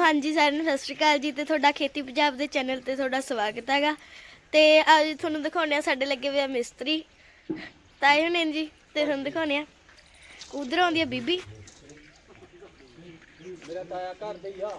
हाँ जी सारिਆਂ ਨੂੰ सत श्री अकाल जी ਤੇ ਤੁਹਾਡਾ ਖੇਤੀ ਪੰਜਾਬ ਦੇ ਚੈਨਲ ਤੇ ਤੁਹਾਡਾ ਸਵਾਗਤ ਹੈਗਾ ਤੇ ਅੱਜ ਤੁਹਾਨੂੰ ਦਿਖਾਉਣੇ ਆ ਸਾਡੇ ਲੱਗੇ ਹੋਏ ਆ ਮਿਸਤਰੀ ਤਾਏ ਹੁਣੇ ਜੀ ਤੇ ਤੁਹਾਨੂੰ ਦਿਖਾਉਣੇ ਆ ਉਧਰ ਆਉਂਦੀ ਆ ਬੀਬੀ ਮੇਰਾ ਤਾਇਆ ਘਰ ਦੇ ਹੀ ਆ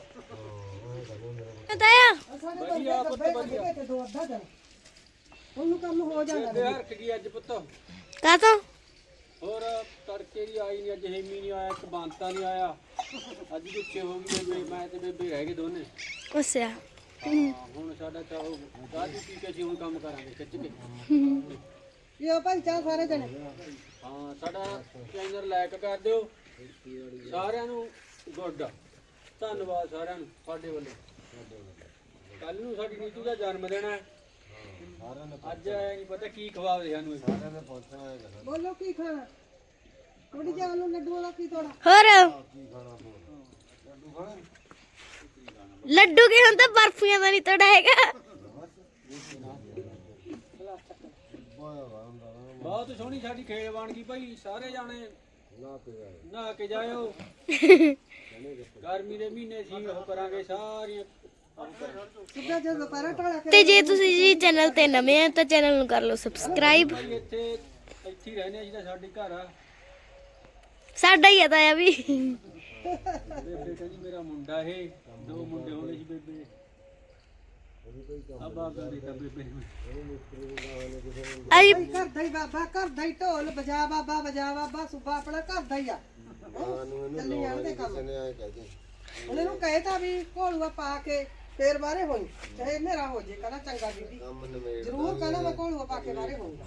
ਤਾਇਆ ਵਧੀਆ ਪੁੱਤ ਵਧੀਆ ਤੇ ਦੋ ਅੱਧਾ ਦਿਨ ਉਹਨੂੰ ਕੰਮ ਹੋ ਜਾਂਦਾ ਤੇ ਹਰਕ ਗਈ ਅੱਜ ਪੁੱਤ ਕਾ ਤੋਂ ਹੋਰ ਤੜਕੇ ਦੀ ਆਈ ਨਹੀਂ ਅੱਜ ਹੈਮੀ ਨਹੀਂ ਆਇਆ ਇੱਕ ਬਾਂਤਾ ਨਹੀਂ ਆਇਆ ਅੱਜ ਗੁੱਸੇ ਹੋ ਗਈ ਬੇਬੇ ਮੈਂ ਤੇ ਬੇਬੇ ਰਹਿ ਗਏ ਦੋਨੇ ਉਸਿਆ ਹੁਣ ਸਾਡਾ ਚਾਹੋ ਗਾਜੀ ਪੀ ਕੇ ਅਸੀਂ ਹੁਣ ਕੰਮ ਕਰਾਂਗੇ ਖਿੱਚ ਕੇ ਇਹ ਭਾਈ ਚਾਹ ਸਾਰੇ ਜਣੇ ਹਾਂ ਸਾਡਾ ਚੈਨਲ ਲਾਇਕ ਕਰ ਦਿਓ ਸਾਰਿਆਂ ਨੂੰ ਗੁੱਡ ਧੰਨਵਾਦ ਸਾਰਿਆਂ ਨੂੰ ਸਾਡੇ ਵੱਲੋਂ ਕੱਲ ਨੂੰ ਸਾਡੀ ਨੀਤੂ ਦਾ ਜਨਮ ਦਿਨ ਹੈ ਅੱਜ ਨਹੀਂ ਪਤਾ ਕੀ ਖਵਾਵੇ ਸਾਨੂੰ ਸਾਰਿਆਂ ਨੇ ਪਹੁੰਚਣਾ ਹੈ ਬੋਲੋ ਕੀ ਖਾਣਾ ਥੋੜੀ ਜਿਹੀ ਆਲੂ ਲੱਡੂ ਵਾਲਾ ਕੀ ਤੋੜਾ ਹੋਰ ਲੱਡੂ ਕੀ ਹੁੰਦਾ ਬਰਫੀਆਂ ਦਾ ਨਹੀਂ ਤੋੜਾ ਹੈਗਾ ਬਹੁਤ ਸੋਹਣੀ ਸਾਡੀ ਖੇਡ ਬਣ ਗਈ ਭਾਈ ਸਾਰੇ ਜਾਣੇ ਨਹਾ ਕੇ ਜਾਇਓ ਗਰਮੀ ਦੇ ਮਹੀਨੇ ਸੀ ਉਹ ਕਰਾਂਗੇ ਸਾਰੀਆਂ ਸਿੱਧਾ ਜੇ ਦੁਪਹਿਰਾ ਟੋਲਾ ਤੇ ਜੇ ਤੁਸੀਂ ਜੀ ਚੈਨਲ ਤੇ ਨਵੇਂ ਆ ਤਾਂ ਚੈਨਲ ਨੂੰ ਕਰ ਲਓ ਸਬਸਕ੍ਰਾਈਬ ਭਾਈ ਇੱਥੇ ਹੀ ਰਹਿੰਦੇ ਅਸੀਂ ਤਾਂ ਸਾਡੇ ਘਰ ਆ ਸਾਡਾ ਹੀ ਆ ਤਾਇਆ ਵੀ ਬੇਬੇ ਕਹਿੰਦੀ ਮੇਰਾ ਮੁੰਡਾ ਇਹ ਦੋ ਮੁੰਡੇ ਹੋਣੇ ਸੀ ਬੇਬੇ ਆ ਬਾਬਾ ਦੀ ਤਾਂ ਬੇਬੇ ਆਈ ਘਰ ਦਾ ਹੀ ਬਾਬਾ ਘਰ ਦਾ ਹੀ ਢੋਲ ਬਜਾ ਬਾਬਾ ਸੁਬਾ ਆਪਣਾ ਘਰ ਦਾ ਹੀ ਆ ਚੱਲੀ ਜਾਣਦੇ ਕੰਮ ਉਹਨੇ ਨੂੰ ਕਹੇ ਤਾਂ ਵੀ ਘੋਲੂਆ ਪਾ ਕੇ ਫੇਰ ਬਾਰੇ ਹੋਈ ਚਾਹੇ ਹਨੇਰਾ ਹੋ ਜੇ ਕਹਿੰਦਾ ਚੰਗਾ ਬੀਬੀ ਜ਼ਰੂਰ ਕਹਿੰਦਾ ਮੈਂ ਘੋਲੂਆ ਪਾ ਕੇ ਬਾਰੇ ਹੋਊਗਾ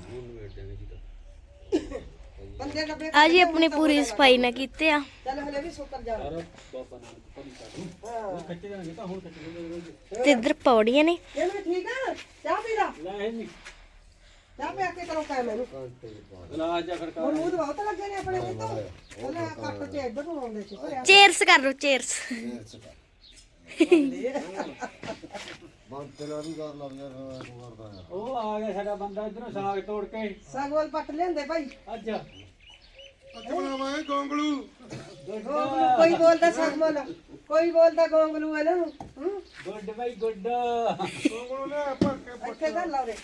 ਬੰਦੇ ਡੱਬੇ ਆ ਜੀ ਆਪਣੀ ਪੂਰੀ ਸਫਾਈ ਨਾ ਕੀਤੇ ਆ ਚੱਲ ਹਲੇ ਵੀ ਸੁੱਕਰ ਜਾਣਾ ਬਾਬਾ ਨਾਲ ਪਤਾ ਖੱਟੇ ਜਾਣਗੇ ਤਾਂ ਹੁਣ ਖੱਟੇ ਤੇ ਇੱਧਰ ਪੌੜੀਆਂ ਨੇ ਇਹ ਵੀ ਠੀਕ ਆ ਚਾਹ ਪੀ ਲਾ ਲੈ ਨਹੀਂ ਚਾਹ ਪੀ ਕੇ ਕਰੋ ਕਾਇ ਮੈਨੂੰ ਇਲਾਜ ਜਾਂ ਖੜਕਾ ਮੂਦ ਬਹੁਤ ਲੱਗੇ ਨੇ ਆਪਣੇ ਵਿੱਚ ਤਾਂ ਉਹਨੇ ਕੱਟ ਤੇ ਇੱਧਰ ਨੂੰ ਆਉਂਦੇ ਸੀ ਭਰਿਆ ਚੇਅਰਸ ਕਰ ਲਓ ਚੇਅਰਸ ਉਹ ਆ ਗਿਆ ਸਾਡਾ ਬੰਦਾ ਇਧਰੋਂ ਸਾਗ ਤੋੜ ਕੇ ਸਾਗਵਾਲ ਪੱਟ ਲਿਆਂਦੇ ਭਾਈ ਅੱਜ ਗੋਂਗਲੂ ਕੋਈ ਬੋਲਦਾ ਸਾਗਵਾਲ ਕੋਈ ਬੋਲਦਾ ਗੋਂਗਲੂ ਇਹਨਾਂ ਨੂੰ ਗੁੱਡ ਬਾਈ ਗੁੱਡ ਇੱਥੇ ਕਰ ਲਾਉਰੇ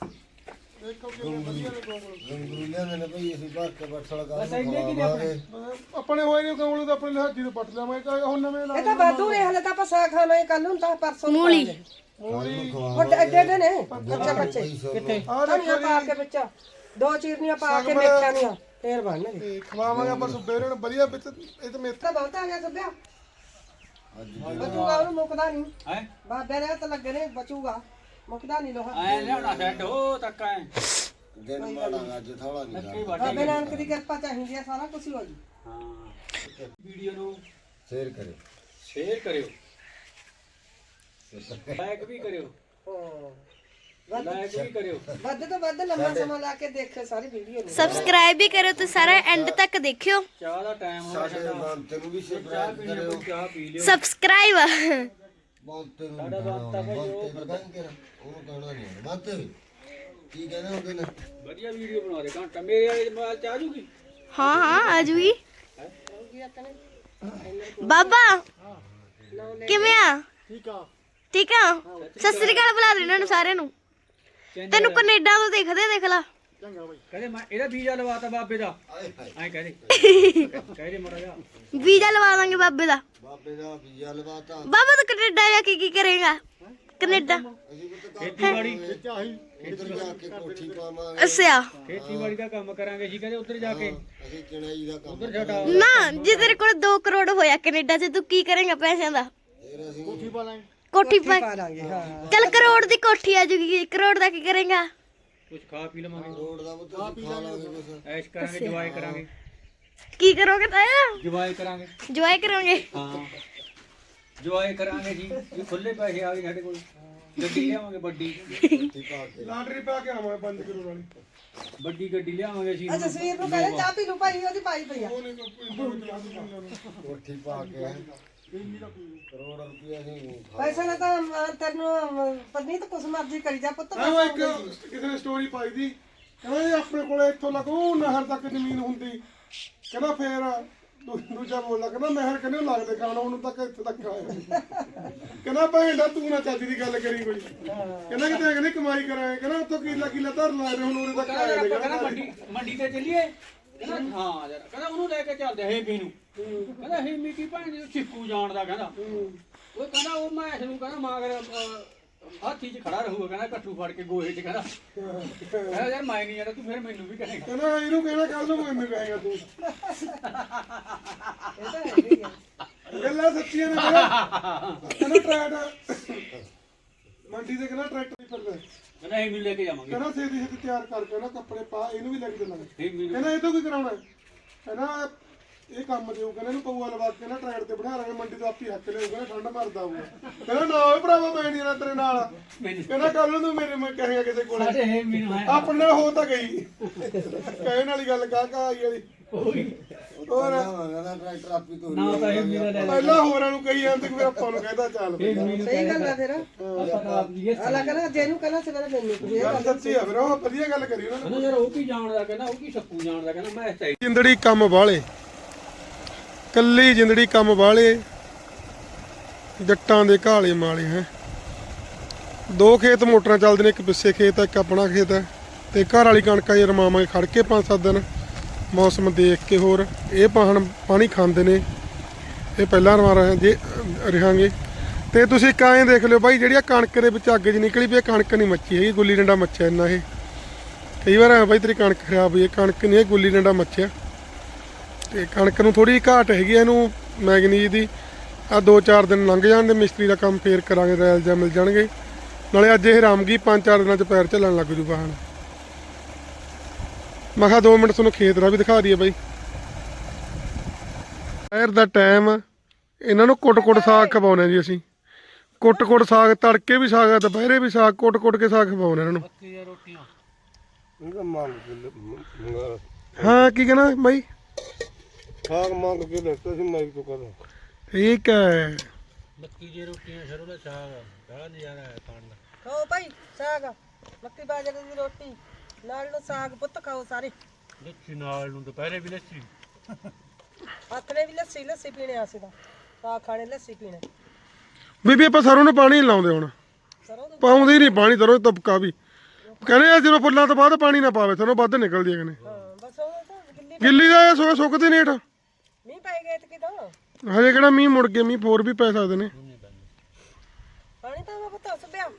ਆਪਣੇ ਹੋਏ ਨੇ ਗੋਂਗਲੂ ਤਾਂ ਆਪਣੇ ਲਿਹਾਜੀ ਤੋਂ ਪੱਟ ਲਿਆਵਾਂਗੇ ਹੁਣ ਨਵੇਂ ਇਹ ਤਾਂ ਵਾਧੂ ਨੇ ਹਲੇ ਤਾਂ ਆਪਾਂ ਸਾਗ ਖਾਣਾ ਕੱਲ ਨੂੰ ਤਾਂ ਪਰਸੋਂ ਨੂੰ ਮੂਲੀ ਵੱਡੇ ਐਡੇ ਨੇ ਕੱਚੇ ਕਿੱਥੇ ਧਨੀਆ ਪਾ ਕੇ ਵਿੱਚ ਦੋ ਚੀਰਨੀਆਂ ਪਾ ਕੇ ਮੇਥਿਆਂ ਦੀਆਂ ਫੇਰ ਬਣਨਗੇ ਖਵਾਵਾਂਗੇ ਆਪਾਂ ਸੁਬੇਰੇ ਨੂੰ ਵਧੀਆ ਵਿੱਚ ਇਹ ਤੇ ਮੇਥ ਤਾਂ ਬਹੁਤ ਆ ਗਿਆ ਸਭਿਆ ਬਚੂਗਾ ਉਹਨੂੰ ਮੁੱਕਦਾ ਨਹੀਂ ਹੈ ਬਾਬੇ ਦੇ ਤਾਂ ਲੱਗੇ ਨੇ ਬਚੂਗਾ ਮੁੱਕਦਾ ਨਹੀਂ ਲੋਹਾ ਐ ਲਿਆਉਣਾ ਸੈੱਟ ਹੋ ਤੱਕ ਐ ਦਿਨ ਮਾੜਾ ਅੱਜ ਥੋੜਾ ਨਹੀਂ ਨੱਕੀ ਬਾਬੇ ਵਾਟੇ ਨਾਨਕ ਦੀ ਕਿਰਪਾ ਚਾਹੀਦੀ ਆ ਸਾਰਾ ਕੁਝ ਹੋ ਜੀ ਹਾਂ ਵੀਡੀਓ ਨੂੰ ਸ਼ੇਅਰ ਕਰੇ ਸ਼ੇਅਰ ਕਰਿਓ ਲਾਈਕ ਵੀ ਕਰਿਓ ਲਾਈਕ ਵੀ ਕਰਿਓ ਵੱਧ ਤੋਂ ਵੱਧ ਲੰਮਾ ਸਮਾਂ ਲਾ ਕੇ ਦੇਖਿਓ ਸਾਰੀ ਵੀਡੀਓ ਨੂੰ ਸਬਸਕ੍ਰਾਈਬ ਵੀ ਕਰੋ ਤੇ ਸਾਰਾ ਐਂਡ ਤੱਕ ਦੇਖਿਓ ਚਾਹ ਦਾ ਟਾਈਮ ਹੋ ਗਿਆ ਸਾਡਾ ਬੰਤੇ ਨੂੰ ਵੀ ਚਾਹ ਸਬਸਕ੍ਰਾਈਬ ਪੀਣੀ ਕਰਿਓ ਕੋਈ ਚਾਹ ਪੀ ਲਿਓ ਸਬਸਕ੍ਰਾਈਬ ਬੰਤੇ ਨੂੰ ਸਾਡਾ ਬੰਤਾ ਭਾਈ ਉਹ ਉਹਨੂੰ ਕਹਿਣਾ ਨਹੀਂ ਬੰਤੇ ਕੀ ਕਹਿੰਦੇ ਹੁੰਦੇ ਨੇ ਵਧੀਆ ਵੀਡੀਓ ਬਣਾ ਦੇ ਘੰਟਾ ਮੇਰੇ ਵਾਲੇ ਮੋਬਾਈਲ ਚ ਆ ਜੂਗੀ ਹਾਂ ਹਾਂ ਆ ਜੂਗੀ ਬਾਬਾ ਕਿਵੇਂ ਆ ਠੀਕ ਆ ਸਤਿ ਸ੍ਰੀ ਅਕਾਲ ਬੁਲਾ ਦੇ ਇਹਨਾਂ ਨੂੰ ਸਾਰਿਆਂ ਨੂੰ ਤੈਨੂੰ ਕੈਨੇਡਾ ਤੋਂ ਦੇਖ ਲਾ ਕਹਿੰਦੇ ਮੈਂ ਇਹਦਾ ਵੀਜ਼ਾ ਲਵਾਤਾ ਬਾਬੇ ਦਾ ਐਂ ਕਹਦੇ ਕਹਦੇ ਮੜਾ ਜਾ ਵੀਜ਼ਾ ਲਵਾ ਦਾਂਗੇ ਬਾਬੇ ਦਾ ਬਾਬੇ ਦਾ ਵੀਜ਼ਾ ਲਵਾਤਾ ਬਾਬਾ ਤੂੰ ਕੈਨੇਡਾ ਜਾ ਕੇ ਕੀ ਕਰੇਗਾ ਕੈਨੇਡਾ ਅਸੀਂ ਵੀ ਖੇਤੀਬਾੜੀ ਉੱਧਰ ਜਾ ਕੇ ਕੋਠੀ ਪਾਵਾਂਗੇ ਅੱਛਾ ਖੇਤੀਬਾੜੀ ਦਾ ਕੰਮ ਕਰਾਂਗੇ ਜੀ ਕਹਿੰਦੇ ਉੱਧਰ ਜਾ ਕੇ ਅਸੀਂ ਚਣਾਈ ਦਾ ਕੰਮ ਉੱਧਰ ਸਾਡਾ ਨਾ ਜੇ ਤੇਰੇ ਕੋਲ 2 ਕਰੋੜ ਹੋਇਆ ਕੈਨੇਡਾ 'ਚ ਤੂੰ ਕੀ ਕਰੇਗਾ ਪੈਸਿਆਂ ਦਾ ਫਿਰ ਅਸੀਂ ਕੋਠੀ ਪਾ ਪਾ ਲਾਂਗੇ ਹਾਂ ਚੱਲ ਕਰੋੜ ਦੀ ਕੋਠੀ ਆ ਜੂਗੀ ਕਰੋੜ ਦਾ ਕੀ ਕਰੇਗਾ ਕੁਝ ਖਾ ਪੀ ਲਵਾਂਗੇ ਰੋਡ ਦਾ ਬੁੱਤ ਖਾ ਲਾਂਗੇ ਕੁਛ ਐਸ਼ ਕਰਾਂਗੇ ਜਵਾਏ ਕਰਾਂਗੇ ਕੀ ਕਰੋਗੇ ਤਾਇਆ ਜਵਾਏ ਕਰਾਂਗੇ ਜੁਆਏ ਕਰੋਗੇ ਹਾਂ ਜਵਾਏ ਕਰਾਂਗੇ ਜੀ ਇਹ ਖੁੱਲੇ ਪੈਸੇ ਆ ਗਏ ਸਾਡੇ ਕੋਲ ਗੱਡੀ ਲਿਆਵਾਂਗੇ ਵੱਡੀ ਕੋਠੀ ਪਾ ਕੇ ਲਾਟਰੀ ਪਾ ਕੇ ਆਵਾਂਗੇ 5 ਕਿਲੋ ਵਾਲੀ ਵੱਡੀ ਗੱਡੀ ਲਿਆਵਾਂਗੇ ਅਸੀਂ ਅੱਛਾ ਸਵੇਰ ਨੂੰ ਕਹਿੰਦੇ ਚਾਹ ਪੀ ਲੂ ਭਾਈ ਉਹਦੀ ਪਾਈ ਪਈ ਆ ਕੋਠੀ ਪਾ ਕੇ ਕਰੋੜ ਰੁਪਏ ਅਸੀਂ ਪੈਸਾ ਨਾ ਤਾਂ ਤੈਨੂੰ ਪਤਨੀ ਤਾਂ ਕੁਛ ਮਰਜ਼ੀ ਕਰੀ ਜਾ ਪੁੱਤ ਉਹ ਇੱਕ ਕਿਸੇ ਨੇ ਸਟੋਰੀ ਪਾਈ ਦੀ ਕਹਿੰਦਾ ਜੀ ਆਪਣੇ ਕੋਲੇ ਇੱਥੋਂ ਲੱਗੋ ਨਹਿਰ ਤੱਕ ਜ਼ਮੀਨ ਹੁੰਦੀ ਕਹਿੰਦਾ ਫੇਰ ਦੂਜਾ ਬੋਲਦਾ ਕਹਿੰਦਾ ਮੈਂ ਕਹਿੰਦੇ ਲੱਗਦੇ ਖਾਣਾ ਉਹਨੂੰ ਤੱਕ ਇੱਥੇ ਤੱਕ ਆਇਆ ਕਹਿੰਦਾ ਭੈਂਦਾ ਤੂੰ ਨਾ ਚੱਜ ਦੀ ਗੱਲ ਕਰੀ ਕੋਈ ਕਹਿੰਦਾ ਕਿਤੇ ਕਹਿੰਦੇ ਕਮਾਈ ਕਰਾਏ ਕਹਿੰਦਾ ਉੱਥੋਂ ਕਿੱਲਾ ਧਰ ਲਾ ਰਹੇ ਹੁਣ ਉਰੇ ਤੱਕ ਆਏ ਨੇ ਕਹਿੰਦਾ ਮੰਡੀ ਤੇ ਚੱਲੀਏ ਕਹਿੰਦਾ ਹਾਂ ਯਾਰ ਕਹਿੰਦਾ ਉਹਨੂੰ ਲੈ ਕੇ ਚੱਲਦੇ ਹੇਮੀ ਨੂੰ ਕਹਿੰਦਾ ਹੇਮੀ ਕੀ ਭੈਣ ਜੀ ਛਿੱਕੂ ਜਾਣਦਾ ਕਹਿੰਦਾ ਉਹ ਕਹਿੰਦਾ ਉਹ ਮੈਂ ਇਸ ਨੂੰ ਕਹਿੰਦਾ ਮਾਗਰ ਹਾਥੀ 'ਚ ਖੜਾ ਰਹੂਗਾ ਕਹਿੰਦਾ ਕੱਟੂ ਫੜ ਕੇ ਗੋਹੇ 'ਚ ਕਹਿੰਦਾ ਕਹਿੰਦਾ ਯਾਰ ਮੈਂ ਨਹੀਂ ਜਾਣਾ ਤੂੰ ਫਿਰ ਮੈਨੂੰ ਵੀ ਕਹੇਗਾ ਕਹਿੰਦਾ ਇਹਨੂੰ ਕਹਿਣਾ ਕੱਲ ਨੂੰ ਮੈਨੂੰ ਕਹੇਗਾ ਤੂੰ ਇਹ ਤਾਂ ਹੈਗੀ ਆ ਗੱਲਾਂ ਸੱਚੀਆਂ ਨੇ ਕਹਿੰਦਾ ਟਰੈਕਟਰ ਮੰਡੀ ਤੇ ਕਹਿੰਦਾ ਟਰੈਕਟਰ ਹੀ ਫਿਰਦਾ ਕਹਿੰਦਾ ਹੇਮੀ ਲੈ ਕੇ ਜਾਵਾਂਗੇ ਕਹਿੰਦਾ ਛੇਤੀ ਛੇਤੀ ਤਿਆਰ ਕਰਕੇ ਨਾ ਕੱਪੜੇ ਪਾ ਇਹਨੂੰ ਵੀ ਲੈ ਕੇ ਦੇਣਾ ਹੇਮੀ ਨੂੰ ਕਹਿੰਦਾ ਇਹ ਤੋਂ ਕੀ ਕਰਾਉਣਾ ਕਹਿੰਦਾ ਇਹ ਕੰਮ ਦਿਓ ਕਹਿੰਦਾ ਇਹਨੂੰ ਪਊਆ ਲਵਾ ਕੇ ਨਾ ਟਰੈਕਟਰ ਤੇ ਬਿਠਾ ਲਾਂਗੇ ਮੰਡੀ ਤੋਂ ਆਪੀ ਹੱਕ ਲਿਆਊ ਕਹਿੰਦਾ ਠੰਡ ਮਰਦਾ ਹੋਊਗਾ ਕਹਿੰਦਾ ਨਾ ਓਏ ਭਰਾਵਾ ਮੈਂ ਨਹੀਂ ਤੇਰੇ ਨਾਲ ਕਹਿੰਦਾ ਕੱਲ ਨੂੰ ਤੂੰ ਮੇਰੇ ਮੈਂ ਕਹੇਗਾ ਕਿਸੇ ਕੋਲੇ ਸਾਡੇ ਹੇਮੀ ਨੂੰ ਆਪਣੇ ਨਾਲ ਹੋ ਤਾਂ ਗਈ ਕਹਿਣ ਵਾਲੀ ਗੱਲ ਕਾ ਆਈ ਵਾਲੀ ਹੋਰ ਕਹਿੰਦਾ ਟਰੈਕਟਰ ਆਪੀ ਤੋਂ ਨਾ ਤਾਂ ਹੇਮੀ ਦਾ ਲੈ ਪਹਿਲਾਂ ਹੋਰਾਂ ਨੂੰ ਕਹੀ ਜਾਂਦੇ ਫਿਰ ਆਪਾਂ ਨੂੰ ਕਹਿੰਦਾ ਚੱਲ ਬਈ। ਸਹੀ ਗੱਲ ਆ ਫਿਰ ਪਤਾ ਆਪ ਜੀ ਆਲਾ ਕਹਿੰਦਾ ਜਿਹਨੂੰ ਕਹਿੰਦਾ ਸਵੇਰੇ ਮੈਨੂੰ ਕੋਈ ਗੱਲ ਸੱਚੀ ਆ ਫਿਰ ਉਹ ਵਧੀਆ ਗੱਲ ਕਰੀ ਉਹਨਾਂ ਨੇ ਕਹਿੰਦਾ ਯਾਰ ਉਹ ਕੀ ਜਾਣਦਾ ਕਹਿੰਦਾ ਉਹ ਕੀ ਛੱਕੂ ਜਾਣਦਾ ਕਹਿੰਦਾ ਮੈਂ ਇਸ ਜਿੰਦੜੀ ਕੰਮ ਵਾਲੇ ਕੱਲੀ ਜਿੰਦੜੀ ਕੰਮ ਵਾਲੇ ਜੱਟਾਂ ਦੇ ਘਾਲੇ ਮਾਲੇ ਹੈ ਦੋ ਖੇਤ ਮੋਟਰਾਂ ਚੱਲਦੇ ਨੇ ਇੱਕ ਪਿੱਛੇ ਖੇਤ ਹੈ ਇੱਕ ਆਪਣਾ ਖੇਤ ਹੈ ਤੇ ਘਰ ਵਾਲੀ ਕਣਕਾਂ ਹੀ ਰਮਾਵਾਂਗੇ ਖੜ ਕੇ 5-7 ਦਿਨ ਮੌਸਮ ਦੇਖ ਕੇ ਹੋਰ ਇਹ ਪਾਣੀ ਖਾਂਦੇ ਨੇ ਇਹ ਪਹਿਲਾਂ ਰਵਾ ਰਹੇ ਜੇ ਰਹਾਂਗੇ ਤੇ ਤੁਸੀਂ ਕਾਏ ਦੇਖ ਲਿਓ ਬਾਈ ਜਿਹੜੀ ਕਣਕ ਦੇ ਵਿੱਚ ਅੱਗ ਜੀ ਨਿਕਲੀ ਵੀ ਇਹ ਕਣਕ ਨਹੀਂ ਮੱਚੀ ਹੈਗੀ ਗੁੱਲੀ ਡੰਡਾ ਮੱਚਿਆ ਇੰਨਾ ਇਹ ਕਈ ਵਾਰ ਆ ਬਾਈ ਤੇਰੀ ਕਣਕ ਖਰਾਬ ਹੋਈ ਹੈ ਕਣਕ ਨਹੀਂ ਇਹ ਗੁੱਲੀ ਡੰਡਾ ਮੱਚਿਆ ਤੇ ਕਣਕ ਨੂੰ ਥੋੜੀ ਘਾਟ ਹੈਗੀ ਇਹਨੂੰ ਮੈਗਨੀਜ਼ ਦੀ ਆ 2-4 ਦਿਨ ਲੰਘ ਜਾਣ ਦੇ ਮਿਸਤਰੀ ਦਾ ਕੰਮ ਫੇਰ ਕਰਾਂਗੇ ਰੈਲ ਜਾਂ ਮਿਲ ਜਾਣਗੇ ਨਾਲੇ ਅੱਜ ਇਹ ਰਾਮਗੀ 5-4 ਦਿਨਾਂ 'ਚ ਪੈਰ ਝੱਲਣ ਲੱਗ ਜੂ ਵਾਹਣ ਮੈਂ ਕਿਹਾ 2 ਮਿੰਟ ਤੁਹਾਨੂੰ ਖੇਤ ਦਾ ਵੀ ਦਿਖਾ ਦਈਏ ਬਾਈ ਦੁਪਹਿਰ ਦਾ ਟਾਈਮ ਇਹਨਾਂ ਨੂੰ ਕੁੱਟ-ਕੁੱਟ ਸਾਗ ਖਵਾਉਣਾ ਜੀ ਅਸੀਂ ਕੁੱਟ-ਕੁੱਟ ਸਾਗ ਤੜਕੇ ਵੀ ਸਾਗ ਆ ਦੁਪਹਿਰੇ ਵੀ ਸਾਗ ਕੁੱਟ-ਕੁੱਟ ਕੇ ਸਾਗ ਖਵਾਉਣਾ ਇਹਨਾਂ ਨੂੰ ਰੋਟੀਆਂ ਇਹਦਾ ਮੰਗ ਹਾਂ ਕੀ ਕਹਿਣਾ ਬਾਈ ਸਾਗ ਮੰਗ ਕੇ ਲੈਤਾ ਸੀ ਮੈਂ ਤੋਂ ਕਹਿੰਦਾ ਠੀਕ ਹੈ ਮੱਕੀ ਦੀਆਂ ਰੋਟੀਆਂ ਸਰੋਂ ਦਾ ਸਾਗ ਬੜਾ ਨਜ਼ਾਰਾ ਹੈ ਖਾਣ ਦਾ ਖਾਓ ਭਾਈ ਸਾਗ ਮੱਕੀ ਬਾਜਰੇ ਦੀ ਰੋਟੀ ਨਾਲ ਨੂੰ ਸਾਗ ਪੁੱਤ ਖਾਓ ਸਾਰੇ ਲੱਸੀ ਨਾਲ ਨੂੰ ਦੁਪਹਿਰੇ ਵੀ ਲੱਸੀ ਆਥਣੇ ਵੀ ਲੱਸੀ ਪੀਣੇ ਆਸੇ ਦਾ ਸਾਗ ਖਾਣੇ ਲੱਸੀ ਪੀਣੇ ਬੀਬੀ ਆਪਾਂ ਸਰੋਂ ਨੂੰ ਪਾਣੀ ਨੀ ਲਾਉਂਦੇ ਹੁਣ ਸਰੋਂ ਨੂੰ ਪਾਉਂਦੇ ਹੀ ਨਹੀਂ ਪਾਣੀ ਸਰੋਂ ਤਬਕਾ ਵੀ ਕਹਿੰਦੇ ਆ ਜਦੋਂ ਫੁੱਲਾਂ ਤੋਂ ਬਾਅਦ ਪਾਣੀ ਨਾ ਪਾਵੇ ਸਰੋਂ ਵੱਧ ਨਿਕਲਦੀ ਹੈ ਕਹਿੰਦੇ ਹਾਂ ਬਸ ਉਹ ਤਾਂ ਗਿੱਲੀ ਗਿੱਲੀ ਦਾ ਇਹ ਸੁੱਕਦੀ ਨਹੀਂ ਹੇਠ ਮੀਂਹ ਪੈ ਗਏ ਤੇ ਕਿਦੋਂ ਹਜੇ ਕਿਹੜਾ ਮੀਂਹ ਮੁੜ ਕੇ ਮੀਂਹ ਹੋਰ ਵੀ ਪੈ ਸਕਦੇ ਨੇ ਪਾਣੀ ਤਾਂ ਮੈਂ ਪਤਾ ਸੁਬਿਆ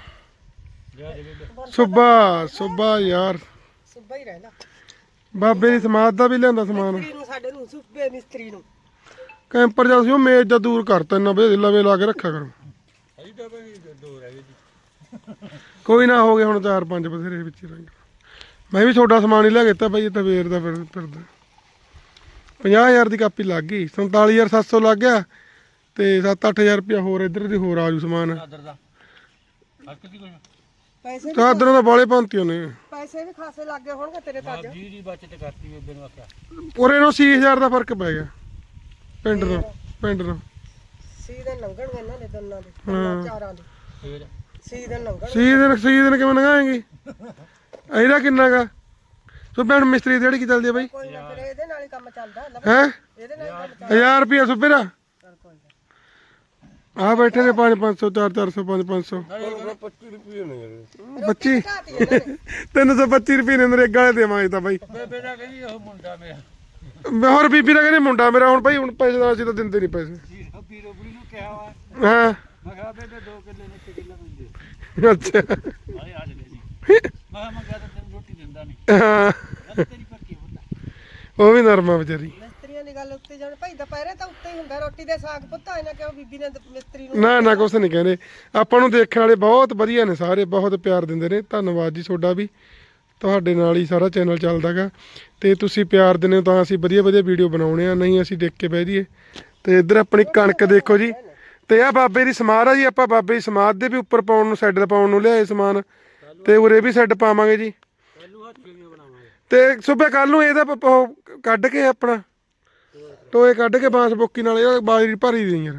ਸੁੱਬਾ ਯਾਰ ਸੁਬਾ ਹੀ ਰਹਿੰਦਾ ਬਾਬੇ ਦੀ ਸਮਾਧ ਦਾ ਵੀ ਲਿਆਂਦਾ ਸਮਾਨ ਮਿਸਤਰੀ ਨੂੰ ਸਾਡੇ ਨੂੰ ਸੁਬੇ ਮਿਸਤਰੀ ਨੂੰ ਕੈਂਪਰ ਜਾਂ ਸੀ ਉਹ ਮੇਜ਼ ਦਾ ਦੂਰ ਕਰਤਾ ਇੰਨਾ ਬੇ ਲਵੇ ਲਾ ਕੇ ਰੱਖਿਆ ਕਰੋ ਅਜੀ ਤਾਂ ਬਈ ਦੋ ਰਹਿ ਗਏ ਜੀ ਕੋਈ ਨਾ ਹੋ ਗਏ ਹੁਣ 4-5 ਬਥੇਰੇ ਵਿੱਚ ਹੀ ਰਹਿ ਮੈਂ ਵੀ ਤੁਹਾਡਾ ਸਮਾਨ ਹੀ ਲੈ ਦਿੱਤਾ ਬਾਈ ਇਹ ਤਾਂ ਵੇਰ ਦਾ ਫਿਰਦਾ 50,000 ਦੀ ਕਾਪੀ ਲੱਗ ਗਈ 47,700 ਲੱਗ ਗਿਆ ਤੇ 7-8,000 ਰੁਪਇਆ ਹੋਰ ਇੱਧਰ ਦੀ ਹੋਰ ਆਜੂ ਸਮਾਨ ਚਾਦਰ ਦਾ ਹੱਕ ਦੀ ਕੁਝ ਪੈਸੇ ਚਾਦਰਾਂ ਦਾ ਬਾਲੇ ਭਾਂਤੀਆਂ ਨੇ ਪੈਸੇ ਵੀ ਖਾਸੇ ਲੱਗ ਗਏ ਹੋਣਗੇ ਤੇਰੇ ਤਾਂ ਅੱਜ ਜੀ ਦੀ ਬਚਤ ਕਰਤੀ ਬੇਬੇ ਨੂੰ ਆਖਿਆ ਉਰੇ ਨੂੰ 80,000 ਦਾ ਫਰਕ ਪੈ ਗਿਆ ਪਿੰਡ ਨੂੰ ਸੀਜ਼ਨ ਲੰਘਣਗੇ ਇਹਨਾਂ ਦੇ ਦੋਨਾਂ ਦੇ ਦੋਨਾਂ ਚਾਰਾਂ ਦੇ ਫੇਰ ਸੀਜ਼ਨ ਲੰਘਣ ਸੀਜ਼ਨ ਕਿਵੇਂ ਲੰਘਾਏਗੀ ਇਹਦਾ ਕਿੰਨਾ ਗਾ ਸੋ ਭੈਣ ਮਿਸਤਰੀ ਜਿਹੜੀ ਕੀ ਚੱਲਦੀ ਆ ਬਾਈ ਕੋਈ ਨਾ ਫਿਰ ਇਹਦੇ ਨਾਲ ਹੀ ਕੰਮ ਚੱਲਦਾ ਹੈ ਇਹਦੇ ਨਾਲ ਹੀ ਕੰਮ 1000 ਰੁਪਇਆ ਸੁੱਬੇ ਦਾ ਚੱਲ ਕੋਈ ਨਾ ਆ ਬੈਠੇ ਨੇ 500 400 500 25 ਰੁਪਏ ਨੇ ਯਾਰ 25 ਘਾਤੀ ਇਹਨਾਂ ਨੇ 325 ਰੁਪਏ ਨੇ ਨਰੇਗਾ ਵਾਲੇ ਦੇਵਾਂਗੇ ਤਾਂ ਬਾਈ ਬੇਬੇ ਦਾ ਕਹਿੰਦੀ ਉਹ ਮੁੰਡਾ ਮੇਰਾ ਮੈਂ ਹੋਰ ਬੀਬੀ ਦਾ ਕਹਿੰਦੇ ਮੁੰਡਾ ਮੇਰਾ ਹੁਣ ਭਾਈ ਹੁਣ ਪੈਸੇ ਦਾ ਅਸੀਂ ਤਾਂ ਦਿੰਦੇ ਨਹੀਂ ਪੈਸੇ ਪੀਰੋ ਬੁੜੀ ਨੂੰ ਕਿਹਾ ਵਾ ਹਾਂ ਮੈਂ ਕਿਹਾ ਬੇਬੇ 2 ਕਿੱਲੇ ਨੇ 1 ਕਿੱਲਾ ਦਿੰਦੇ ਅੱਛਾ ਆਏ ਆ ਜਲੇ ਜੀ ਮੈਂ ਕਿਹਾ ਤੈਨੂੰ ਰੋਟੀ ਦਿੰਦਾ ਨਹੀਂ ਹਾਂ ਤੇਰੀ ਪੱਕੀ ਹੁੰਦਾ ਉਹ ਵੀ ਨਰਮਾ ਵਿਚਾਰੀ ਮਿਸਤਰੀਆਂ ਦੀ ਗੱਲ ਉੱਤੇ ਜਾਣ ਭਾਈ ਦੁਪਹਿਰੇ ਤਾਂ ਉੱਤੇ ਹੀ ਹੁੰਦਾ ਰੋਟੀ ਦੇ ਸਾਗ ਪੁੱਤਾ ਇਹਨਾਂ ਕਿਉਂ ਬੀਬੀ ਨੇ ਮਿਸਤਰੀ ਨੂੰ ਨਾ ਕੁਛ ਨਹੀਂ ਕਹਿੰਦੇ ਆਪਾਂ ਨੂੰ ਦੇਖਣ ਵਾਲੇ ਬਹੁਤ ਵਧੀਆ ਨੇ ਸਾਰੇ ਬਹੁਤ ਪਿਆਰ ਦਿੰਦੇ ਨੇ ਧੰਨਵਾਦ ਜੀ ਤੁਹਾਡਾ ਵੀ ਤੁਹਾਡੇ ਨਾਲ ਹੀ ਸਾਰਾ ਚੈਨਲ ਚੱਲਦਾਗਾ ਤੇ ਤੁਸੀਂ ਪਿਆਰ ਦਿੰਦੇ ਹੋ ਤਾਂ ਅਸੀਂ ਵਧੀਆ ਵੀਡੀਓ ਬਣਾਉਣੇ ਆ ਨਹੀਂ ਅਸੀਂ ਦੇਖ ਕੇ ਬਹਿ ਜਾਈਏ ਤੇ ਇੱਧਰ ਆਪਣੀ ਕਣਕ ਦੇਖੋ ਜੀ ਤੇ ਆ ਬਾਬੇ ਦੀ ਸਮਾਧ ਆ ਜੀ ਆਪਾਂ ਬਾਬੇ ਦੀ ਸਮਾਧ ਦੇ ਵੀ ਉੱਪਰ ਪਾਉਣ ਨੂੰ ਸੈੱਡ ਪਾਉਣ ਨੂੰ ਲਿਆਏ ਸਮਾਨ ਤੇ ਉਰੇ ਵੀ ਸੈੱਡ ਪਾਵਾਂਗੇ ਜੀ ਤੇ ਸੁਬੇ ਕੱਲ ਨੂੰ ਇਹਦਾ ਉਹ ਕੱਢ ਕੇ ਆਪਣਾ ਟੋਏ ਕੱਢ ਕੇ ਬਾਂਸ ਬੋਕੀ ਨਾਲ ਇਹ ਬਾਜਰੀ ਭਰੀ ਦੀ ਯਾਰ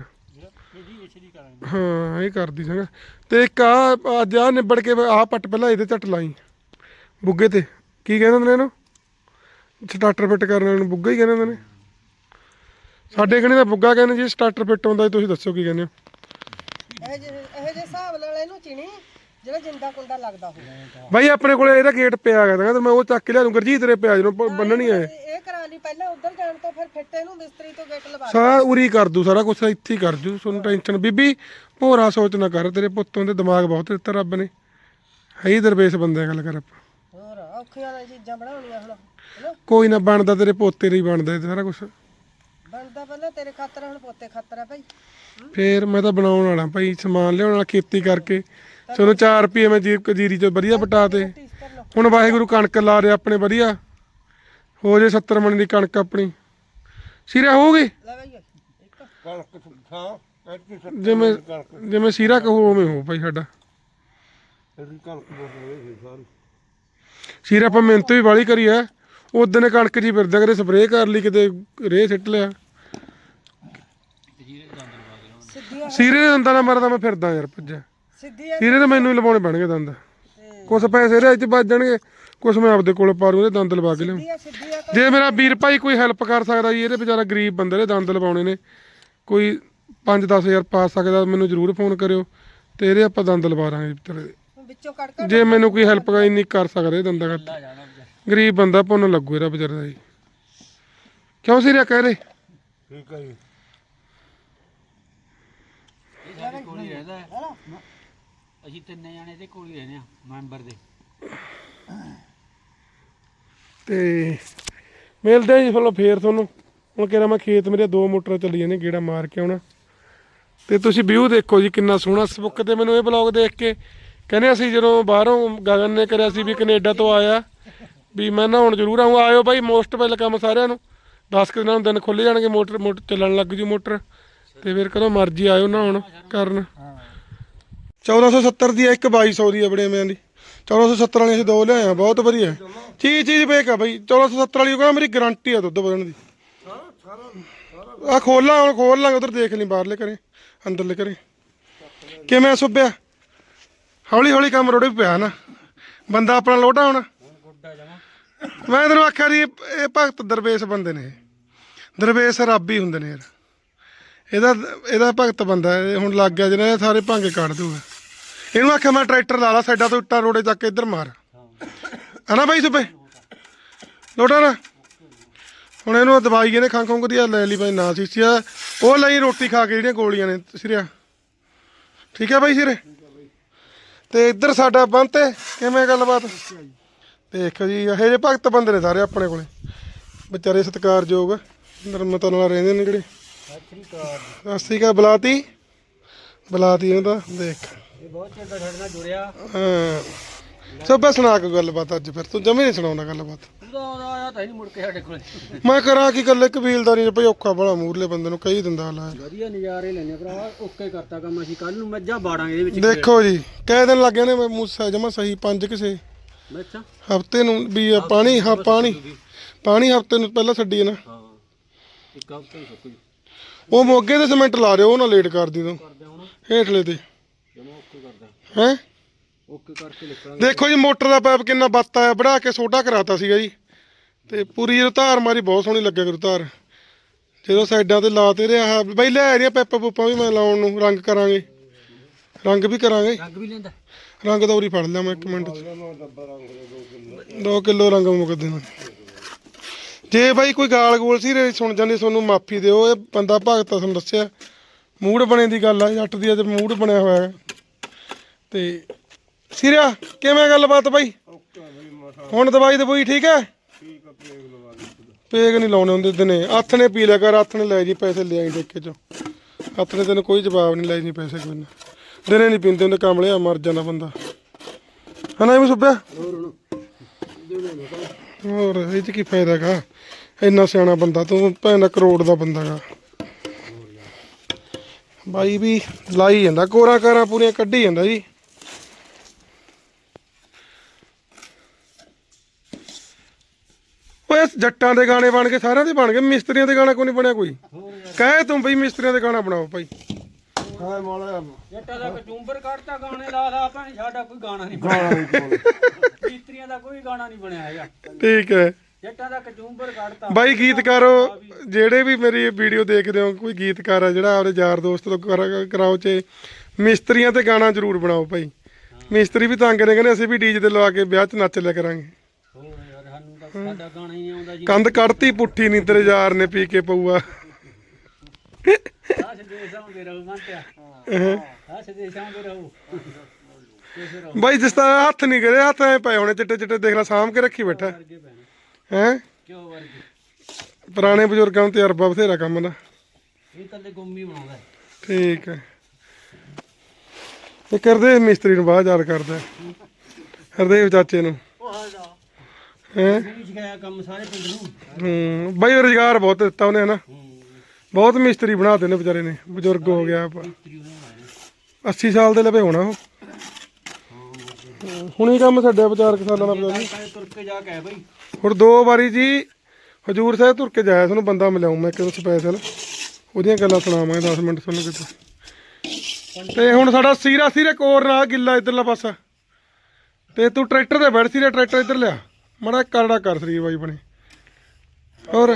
ਹਾਂ ਇਹ ਕਰਦੀ ਸੰਗਾ ਤੇ ਇੱਕ ਆ ਅੱਜ ਆ ਨਿਬੜ ਕੇ ਆਹ ਪੱਟ ਪਹਿਲਾਂ ਇਹਦੇ ਝੱਟ ਲਾਈ ਬੁੱਗੇ ਤੇ ਕੀ ਕਹਿੰਦੇ ਨੇ ਇਹਨੂੰ ਸਟਾਰਟਰ ਫਿੱਟ ਕਰਨ ਵਾਲੇ ਨੂੰ ਬੁੱਗਾ ਹੀ ਕਹਿੰਦੇ ਨੇ ਸਾਡੇ ਕਨੇ ਦਾ ਬੁੱਗਾ ਕਹਿੰਦੇ ਜੀ ਸਟਾਰਟਰ ਫਿੱਟ ਹੁੰਦਾ ਜੀ, ਤੁਸੀਂ ਦੱਸੋ ਕੀ ਕਹਿੰਦੇ ਹੋ? ਇਹ ਜੇ ਹਿਸਾਬ ਨਾਲ ਇਹਨੂੰ ਚਿਣੀ ਜਿਹੜਾ ਜਿੰਦਾ ਕੁੰਡਾ ਲੱਗਦਾ ਹੋਵੇ। ਬਾਈ ਆਪਣੇ ਕੋਲੇ ਇਹਦਾ ਗੇਟ ਪਿਆ ਹੈਗਾ ਤੇ ਮੈਂ ਉਹ ਚੱਕ ਕੇ ਲਿਆ ਦੂੰ। ਗੁਰਜੀਤ ਤੇਰੇ ਪਿਆ ਜਦੋਂ ਬੰਨਣੀ ਹੈ ਇਹ ਕਰਾ ਲਈ ਪਹਿਲਾਂ ਉੱਧਰ ਜਾਣ ਤੋਂ ਫਿਰ ਫਿੱਟੇ ਨੂੰ ਮਿਸਤਰੀ ਤੋਂ ਗੇਟ ਲਵਾ ਸਾਰਾ ਉਰੀ ਕਰ ਦੂ, ਸਾਰਾ ਕੁਛ ਇੱਥੇ ਹੀ ਕਰ ਜੂ, ਤੁਹਾਨੂੰ ਟੈਨਸ਼ਨ ਬੀਬੀ ਭੋਰਾ ਸੋਚ ਨਾ ਕਰ। ਤੇਰੇ ਪੁੱਤੋਂ ਦੇ ਦਿਮਾਗ ਬਹੁਤ ਦਿੱਤਾ ਰੱਬ ਨੇ, ਹੈ ਹੀ ਦਰਵੇਸ਼ ਬੰਦੇ ਗੱਲ ਕਰ ਆਪਾਂ। ਹੋਰ ਔਖੀਆਂ ਵਾਲੀਆਂ ਚੀਜ਼ਾਂ ਬਣਾਉਣੀਆਂ ਹੁਣ ਹਨਾ। ਕੋਈ ਨਾ ਬਣਦਾ, ਤੇਰੇ ਪੋਤੇ ਲਈ ਬਣਦਾ ਇਹ ਸਾਰਾ ਕੁਛ। ਬਣਦਾ ਪਹਿਲਾਂ ਤੇਰੇ ਖਾਤਰ, ਹੁਣ ਪੋਤੇ ਖਾਤਰ ਆ ਭਾਈ। ਫੇਰ ਮੈਂ ਤਾਂ ਬਣਾਉਣ ਵਾਲਾ ਭਾਈ, ਸਮਾਨ ਲਿਆਉਣ ਵਾਲਾ, ਖੇਤੀ ਕਰਕੇ ਤੁਹਾਨੂੰ 4 ਰੁਪਏ ਮੈਂ ਜੀਰੀ ਚ ਵਧੀਆ ਪਟਾ ਤੇ। ਹੁਣ ਵਾਹਿਗੁਰੂ ਕਣਕ ਲਾ ਰਿਹਾ ਆਪਣੇ ਵਧੀਆ, ਹੋ ਜੇ 70 ਮਣ ਦੀ ਕਣਕ ਆਪਣੀ ਸਿਰਾ ਹੋਊਗੀ। ਲੈ ਭਾਈ ਇੱਕ ਕਣਕ ਹਾਂ ਜਿਵੇਂ ਸਿਰਾ ਕਹੋ ਉਵੇਂ ਹੋ ਭਾਈ ਸਾਡਾ ਇਹਦੀ ਕਣਕ ਬੋਲੇ ਸਾਰੀ ਸਿਰਾ। ਆਪਾਂ ਮਿਹਨਤ ਵੀ ਵਾਲੀ ਕਰੀ ਐ, ਉਦੋਂ ਨੇ ਕਣਕ ਜੀ ਫਿਰਦਾ, ਕਦੇ ਸਪਰੇਅ ਕਰ ਲਈ, ਕਿਤੇ ਰੇਹ ਸਿੱਟ ਲਿਆ। ਸਿੱਧੀਆਂ ਸੀਰੇ ਦੇ ਦੰਦਾਂ ਨਾਲ ਮਰਦਾ ਮੈਂ ਫਿਰਦਾ ਯਾਰ ਭੱਜਿਆ। ਸਿੱਧੀਆਂ ਸੀਰੇ ਤਾਂ ਮੈਨੂੰ ਹੀ ਲਵਾਉਣੇ ਪੈਣਗੇ ਦੰਦ, ਕੁਛ ਪੈਸੇ ਇਹਦੇ 'ਚ ਬਚ ਜਾਣਗੇ, ਕੁਛ ਮੈਂ ਆਪਦੇ ਕੋਲ ਪਾ ਲੂੰ, ਇਹਦੇ ਦੰਦ ਲਵਾ ਕੇ ਲਿਆਉਂ। ਸਿੱਧੀਆਂ ਜੇ ਮੇਰਾ ਵੀਰ ਭਾਈ ਕੋਈ ਹੈਲਪ ਕਰ ਸਕਦਾ ਜੀ, ਇਹਦੇ ਵਿਚਾਰਾ ਗਰੀਬ ਬੰਦੇ ਦੇ ਦੰਦ ਲਵਾਉਣੇ ਨੇ, ਕੋਈ 5-10 ਹਜ਼ਾਰ ਪਾ ਸਕਦਾ ਮੈਨੂੰ ਜ਼ਰੂਰ ਫੋਨ ਕਰਿਓ, ਤੇ ਇਹਦੇ ਆਪਾਂ ਦੰਦ ਲਵਾ ਦਾਂਗੇ ਵਿਚਾਰੇ ਦੇ। ਵਿੱਚੋਂ ਕੱਢ ਕੇ ਜੇ ਮੈਨੂੰ ਕੋਈ ਹੈਲਪ ਇੰਨੀ ਕਰ ਸਕਦਾ ਇਹ ਦੰਦਾਂ ਕਰ, ਗਰੀਬ ਬੰਦਾ ਪੁੰਨ ਲੱਗੂ ਇਹਦਾ ਵਿਚਾਰੇ ਦਾ ਜੀ। ਕਿਉਂ ਸੀਰਿਆ ਕਹਿ ਰਹੇ? ਠੀਕ ਹੈ ਜੀ। ਇਹ ਸਾਡੇ ਕੋਲ ਹੀ ਰਹਿੰਦਾ ਹੈ। ਅਸੀਂ 3 ਜਣੇ ਇਹਦੇ ਕੋਲ ਹੀ ਰਹਿੰਦੇ ਆ ਮੈਂਬਰ ਦੇ। ਤੇ ਮਿਲਦੇ ਆ ਜੀ ਚਲੋ ਫੇਰ ਤੁਹਾਨੂੰ। ਹੁਣ ਕਿਹੜਾ ਮੈਂ ਖੇਤ ਮੇਰੇ 2 ਮੋਟਰਾਂ ਚੱਲੀ ਜਾਂਦੇ, ਗੇੜਾ ਮਾਰ ਕੇ ਆਉਣਾ। ਤੇ ਤੁਸੀਂ ਵਿਊ ਦੇਖੋ ਜੀ ਕਿੰਨਾ ਸੋਹਣਾ। ਫੇਸਬੁੱਕ ਤੇ ਮੈਨੂੰ ਇਹ ਬਲੌਗ ਦੇਖ ਕੇ ਕਹਿੰਦੇ ਅਸੀਂ ਜਦੋਂ ਬਾਹਰੋਂ ਗਗਨ ਨੇ ਕਰਿਆ ਸੀ ਵੀ ਕੈਨੇਡਾ ਤੋਂ ਆਇਆ ਵੀ ਮੈਂ ਨਹਾਉਣ ਜ਼ਰੂਰ ਆਊਂ। ਆਇਓ ਬਾਈ, ਮੋਸਟ ਵੈਲਕਮ ਸਾਰਿਆਂ ਨੂੰ। 10 ਕੁ ਦਿਨਾਂ ਨੂੰ ਦਿਨ ਖੁੱਲ੍ਹ ਜਾਣਗੇ, ਮੋਟਰ ਚੱਲਣ ਲੱਗ ਜੂ ਮੋਟਰ, ਤੇ ਫਿਰ ਕਦੋਂ ਮਰਜ਼ੀ ਆਇਓ ਨਹਾਉਣ ਕਰਨ। 1470 ਦੀ ਆ, ਇੱਕ 2200 ਦੀ ਆ ਬੜੇ ਮਿਆਂ ਦੀ। 1470 ਵਾਲੀ ਅਸੀਂ 2 ਲਿਆਏ ਆ, ਬਹੁਤ ਵਧੀਆ ਚੀਜ਼ ਵੇਖ ਆ ਬਾਈ। 1470 ਵਾਲੀ ਉਹ ਕਹਿੰਦਾ ਮੇਰੀ ਗਰੰਟੀ ਆ ਦੁੱਧ ਵਧਣ ਦੀ। ਆ ਖੋਲਾਂ, ਹੁਣ ਖੋਲ ਲਾਂਗੇ, ਉਧਰ ਦੇਖ ਲਈ ਬਾਹਰਲੇ ਘਰੇ ਅੰਦਰਲੇ ਘਰੇ ਕਿਵੇਂ ਸੁੱਬਿਆ। ਹੌਲੀ ਹੌਲੀ ਕੰਮ ਰੋੜੇ ਪਿਆ ਨਾ, ਬੰਦਾ ਆਪਣਾ ਲੋਟਾ ਹੁਣ। ਮੈਂ ਤੈਨੂੰ ਆਖਿਆ ਜੀ ਇਹ ਭਗਤ ਦਰਵੇਸ਼ ਬੰਦੇ ਨੇ, ਦਰਵੇਸ਼ ਰੱਬ ਹੀ ਹੁੰਦੇ ਨੇ ਯਾਰ। ਇਹਦਾ ਭਗਤ ਬੰਦਾ ਇਹ ਹੁਣ ਲੱਗ ਗਿਆ ਜਿਹਨਾਂ ਸਾਰੇ ਭਾਂਗੇ ਕੱਢ ਦੂਗਾ। ਇਹਨੂੰ ਆਖਿਆ ਮੈਂ ਟਰੈਕਟਰ ਲਾ ਲਾ ਸਾਈਡਾਂ ਤੋਂ, ਇੱਟਾਂ ਰੋੜੇ ਚੱਕ ਕੇ ਇੱਧਰ ਮਾਰ, ਹਨਾ ਬਾਈ ਸੁੱਬੇ ਲੋਟਾ ਨਾ। ਹੁਣ ਇਹਨੂੰ ਦਵਾਈ ਇਹਨੇ ਖੰਘ ਖੁੰਘ ਦੀ ਲੈ ਲਈ ਬਾਈ, ਨਾ ਸੀਸੀਆ ਉਹ ਲਈ, ਰੋਟੀ ਖਾ ਕੇ ਜਿਹੜੀਆਂ ਗੋਲੀਆਂ ਨੇ ਸਿਰਿਆ। ਠੀਕ ਹੈ ਬਾਈ ਸਿਰੇ। ਤੇ ਇੱਧਰ ਸਾਡਾ ਬੰਦ ਤੇ ਕਿਵੇਂ ਗੱਲਬਾਤ ਦੇਖੋ ਜੀ। ਇਹੋ ਜਿਹੇ ਭਗਤ ਬੰਦੇ ਨੇ ਸਾਰੇ ਆਪਣੇ ਕੋਲੇ, ਵਿਚਾਰੇ ਸਤਿਕਾਰਯੋਗ ਨਰਮਤਾ ਨਾਲ ਰਹਿੰਦੇ ਨੇ ਜਿਹੜੇ। ਸਤਿ ਸ਼੍ਰੀ ਅਕਾਲ ਬੁਲਾਤੀ ਉਹਨੂੰ ਤਾਂ ਦੇਖ। ਇਹ ਬਹੁਤ ਚਿਰ ਦਾ ਸਾਡੇ ਨਾਲ ਜੁੜਿਆ। ਹਾਂ ਸਭ ਸੁਣਾ ਕੇ ਗੱਲਬਾਤ ਅੱਜ। ਫਿਰ ਤੂੰ ਜਮੇ ਨਹੀਂ ਸੁਣਾਉਂਦਾ ਗੱਲਬਾਤ। ਉਹਦਾ ਆਇਆ ਤਾਂ ਨਹੀਂ ਮੁੜ ਕੇ ਸਾਡੇ ਕੋਲ। ਮੈਂ ਕਰਾਂ ਕੀ ਗੱਲ, ਕਬੀਲਦਾਰੀ ਭਾਈ ਔਖਾ ਬੜਾ, ਮੂਰਲੇ ਬੰਦੇ ਨੂੰ ਕਹੀ ਦਿੰਦਾ ਲਾ। ਵਧੀਆ ਨਜ਼ਾਰੇ ਲੈਣੇ ਭਰਾ, ਓਕੇ ਕਰਤਾ ਕੰਮ। ਅਸੀਂ ਕੱਲ ਨੂੰ ਮੱਝਾਂ ਬਾੜਾਂਗੇ ਇਹਦੇ ਵਿੱਚ। ਦੇਖੋ ਜੀ ਕਈ ਦਿਨ ਲੱਗ ਜਾਣੇ ਮੈਂ ਮੂਸਾ ਜਮਾ ਸਹੀ 5 ਕਿਸੇ ਮੱਝਾਂ ਹਫਤੇ ਨੂੰ ਵੀ ਪਾਣੀ ਪਾਣੀ ਹਫਤੇ ਨੂੰ ਪਹਿਲਾਂ ਛੱਡੀ ਨਾ। ਹਾਂ ਇੱਕ ਹਫ਼ਤੇ ਨੂੰ ਸੁੱਕ ਜੂ। ਉਹ ਮੋਗੇ ਦੇ ਸੀਮੈਂਟ ਲਾ ਦਿਓ, ਉਹ ਨਾ ਲੇਟ ਕਰਦੀ ਤੂੰ ਹੇਠਲੇ ਤੇ ਜਮਾ ਓਕੇ ਕਰਦਾ, ਹੈ। ਓਕੇ ਕਰਕੇ ਨਿਕਲਾਂਗੇ। ਦੇਖੋ ਜੀ ਮੋਟਰ ਦਾ ਪਾਈਪ ਕਿੰਨਾ ਬੱਤ ਆਇਆ, ਵੜਾ ਕੇ ਛੋਟਾ ਕਰਾਤਾ ਸੀਗਾ ਜੀ। ਤੇ ਪੂਰੀ ਜਦੋਂ ਧਾਰ ਮਾਰੀ ਬਹੁਤ ਸੋਹਣੀ ਲੱਗਿਆ ਕਰੂ ਧਾਰ, ਜਦੋਂ ਸਾਈਡਾਂ ਤੇ ਲਾ ਤੇ ਰਿਹਾ ਬਈ। ਲੈ ਰਹੀਆਂ ਪੈਪਾਂ ਪੂਪਾਂ ਵੀ ਮੈਂ ਲਾਉਣ ਨੂੰ, ਰੰਗ ਕਰਾਂਗੇ, ਰੰਗ ਵੀ ਕਰਾਂਗੇ। ਰੰਗ ਵੀ ਲੈਂਦਾ ਰੰਗ ਤਾਂ ਉਰੀ ਫੜ ਲਿਆ ਮੈਂ 1 ਮਿੰਟ 2 ਕਿਲੋ ਰੰਗ ਮੁੱਕ ਦੇਣਾ। ਜੇ ਬਾਈ ਕੋਈ ਗਾਲ ਗੋਲ ਸੀ ਸੁਣ ਜਾਂਦੀ ਤੁਹਾਨੂੰ ਮਾਫੀ ਦਿਓ। ਇਹ ਬੰਦਾ ਭਗਤ ਤੁਹਾਨੂੰ ਦੱਸਿਆ, ਮੂਡ ਬਣੇ ਦੀ ਗੱਲ ਆ, ਜੱਟ ਦੀ ਅੱਜ ਮੂਡ ਬਣਿਆ ਹੋਇਆ ਹੈ। ਤੇ ਸਿਰਿਆ ਕਿਵੇਂ ਗੱਲਬਾਤ ਬਾਈ? ਹੁਣ ਦਵਾਈ ਦਵਾਈ ਠੀਕ ਹੈ? ਪੇਗ ਨਹੀਂ ਲਾਉਣੇ ਹੁੰਦੇ ਦਿਨੇ, ਹੱਥ ਨੇ ਪੀ ਲਿਆ ਕਰ, ਹੱਥ ਨੇ ਲੈ ਜੀ ਪੈਸੇ ਲਿਆਈ ਠੇਕੇ ਚੋਂ। ਹੱਥ ਨੇ ਤੈਨੂੰ ਕੋਈ ਜਵਾਬ ਨਹੀਂ, ਲੈ ਜੀ ਪੈਸੇ ਕੋਈ ਨਾ। ਦਿਨੇ ਨਹੀਂ ਪੀਂਦੇ ਹੁੰਦੇ, ਕਮਲਿਆ ਮਰ ਜਾਂਦਾ ਬੰਦਾ, ਹਨਾ ਐਵੇਂ ਸੁੱਬਿਆ। ਹੋਰ ਇਹ 'ਚ ਕੀ ਫਾਇਦਾ ਗਾ, ਇੰਨਾ ਸਿਆਣਾ ਬੰਦਾ ਤੂੰ, ਭੈਣ ਕਰੋੜ ਦਾ ਬੰਦਾ ਗਾ ਬਾਈ। ਵੀ ਲਾਈ ਜਾਂਦਾ, ਕੋਰਾਂ ਕਾਰਾਂ ਪੂਰੀਆਂ ਕੱਢੀ ਜਾਂਦਾ ਜੀ। ਓਏ ਜੱਟਾਂ ਦੇ ਗਾਣੇ ਬਣ ਕੇ ਸਾਰਿਆਂ ਦੇ ਬਣ ਗਏ, ਮਿਸਤਰੀਆਂ ਦੇ ਗਾਣਾ ਕੋਈ ਨਹੀਂ ਬਣਿਆ ਕੋਈ। ਕਹੇ ਤੂੰ ਬਈ ਮਿਸਤਰੀਆਂ ਦੇ ਗਾਣਾ ਬਣਾਓ ਭਾਈ। ਹਾਂ ਮੋਲਾ ਜੱਟਾਂ ਦਾ ਕਚੂੰਬਰ ਕੱਢਤਾ, ਗਾਣੇ ਲਾ ਲਾ ਭਾਵੇਂ, ਸਾਡਾ ਕੋਈ ਗਾਣਾ ਨਹੀਂ ਬਣਿਆ। ਮਿਸਤਰੀਆਂ ਦਾ ਕੋਈ ਗਾਣਾ ਨਹੀਂ ਬਣਿਆ ਹੈਗਾ। ਠੀਕ ਹੈ। ਜੱਟਾਂ ਦਾ ਕਚੂੰਬਰ ਕੱਢਤਾ ਬਾਈ ਗੀਤਕਾਰੋ ਜਿਹੜੇ ਵੀ ਮੇਰੀ ਵੀਡੀਓ ਦੇਖਦੇ ਹੋ, ਕੋਈ ਗੀਤਕਾਰ ਆ ਜਿਹੜਾ ਆਪਣੇ ਯਾਰ ਦੋਸਤ ਤੋਂ ਕਰਾਓ ਚ ਮਿਸਤਰੀਆਂ ਤੇ ਗਾਣਾ ਜ਼ਰੂਰ ਬਣਾਓ ਭਾਈ। ਮਿਸਤਰੀ ਵੀ ਤੰਗ ਨੇ, ਕਹਿੰਦੇ ਅਸੀਂ ਵੀ ਡੀਜੇ ਤੇ ਲਵਾ ਕੇ ਵਿਆਹ 'ਚ ਨੱਚ ਲਿਆ ਕਰਾਂਗੇ। ਹੋਰ ਯਾਰ ਸਾਨੂੰ ਤਾਂ ਸਾਡਾ ਗਾਣਾ ਹੀ ਆਉਂਦਾ ਜੀ। ਕੰਧ ਕੱਢਤੀ ਪੁੱਠੀ ਨਹੀਂ ਤੇਰੇ ਯਾਰ ਨੇ ਪੀ ਕੇ ਪਊਆ। ਆਹ ਸੰਦੇਸ਼ ਆਉਂਦੇ ਰਹੋ ਮੰਤਿਆ, ਆਹ ਸੰਦੇਸ਼ ਆਉਂਦੇ ਰਹੋ। ਬਾਈ ਜਿਸ ਤਰ੍ਹਾਂ ਹੱਥ ਨਹੀਂ ਕਰੇ, ਹੱਥ ਐ ਪਏ ਹੋਣੇ ਚਿੱਟੇ ਚਿੱਟੇ, ਦੇਖ ਲੈ ਸਾਂਭ ਕੇ ਰੱਖੀ ਬੈਠਾ ਵਰਗੇ ਪੈਣੇ ਹੈ। ਕਿਉਂ ਵਰਗੇ? ਪੁਰਾਣੇ ਬਜ਼ੁਰਗਾਂ ਨੂੰ ਤਜਰਬਾ ਬਥੇਰਾ ਕੰਮ ਦਾ। ਇਹ ਤਾਂ ਗੁੰਮੀ ਬਣਾਉਂਦਾ। ਠੀਕ ਹੈ। ਇਹ ਕਰਦੇ ਮਿਸਤਰੀ ਨੂੰ ਬਾਹਰ ਯਾਦ ਕਰਦਾ ਹਰਦੇਵ ਚਾਚੇ ਨੂੰ ਹੈ। ਵੀ ਸਿਖਾਇਆ ਕੰਮ ਸਾਰੇ ਪਿੰਡ ਨੂੰ। ਬਾਈ ਰੁਜ਼ਗਾਰ ਬਹੁਤ ਦਿੱਤਾ ਉਹਨੇ ਹਨਾ, ਬਹੁਤ ਮਿਸਤਰੀ ਬਣਾਤੇ ਨੇ ਵਿਚਾਰੇ ਨੇ। ਬਜ਼ੁਰਗ ਹੋ ਗਿਆ 80 ਸਾਲ ਦੇ ਲਵੇ ਹੋਣਾ ਉਹ। ਹੁਣੀ ਕੰਮ ਛੱਡਿਆ 4 ਸਾਲਾਂ ਦਾ ਬਜ਼ੁਰਗ। ਤੁਰ ਕੇ ਜਾ ਕੇ ਆਇਆ ਬਾਈ। ਹੁਣ 2 ਵਾਰੀ ਜੀ ਹਜੂਰ ਸਾਹਿਬ ਤੁਰ ਕੇ ਜਾਇਆ, ਤੁਹਾਨੂੰ ਬੰਦਾ ਮਿਲਾਉਂ ਮੈਂ ਇੱਕ ਸਪੈਸ਼ਲ, ਉਹਦੀਆਂ ਗੱਲਾਂ ਸੁਣਾਵਾਂਗੇ 10 ਮਿੰਟ ਤੁਹਾਨੂੰ ਕਿਤੇ। ਤੇ ਹੁਣ ਸਾਡਾ ਸੀਰੇ ਕੋਰ ਨਾਲ ਗਿੱਲਾ ਇੱਧਰਲਾ ਪਾਸਾ, ਤੇ ਤੂੰ ਟਰੈਕਟਰ ਤੇ ਬੈਠ, ਸੀਰੇ ਟਰੈਕਟਰ ਇੱਧਰ ਲਿਆ ਮਾੜਾ ਕਰੜਾ ਕਰ ਸਰੀਰ ਬਾਈ ਬਣੇ। ਹੋਰ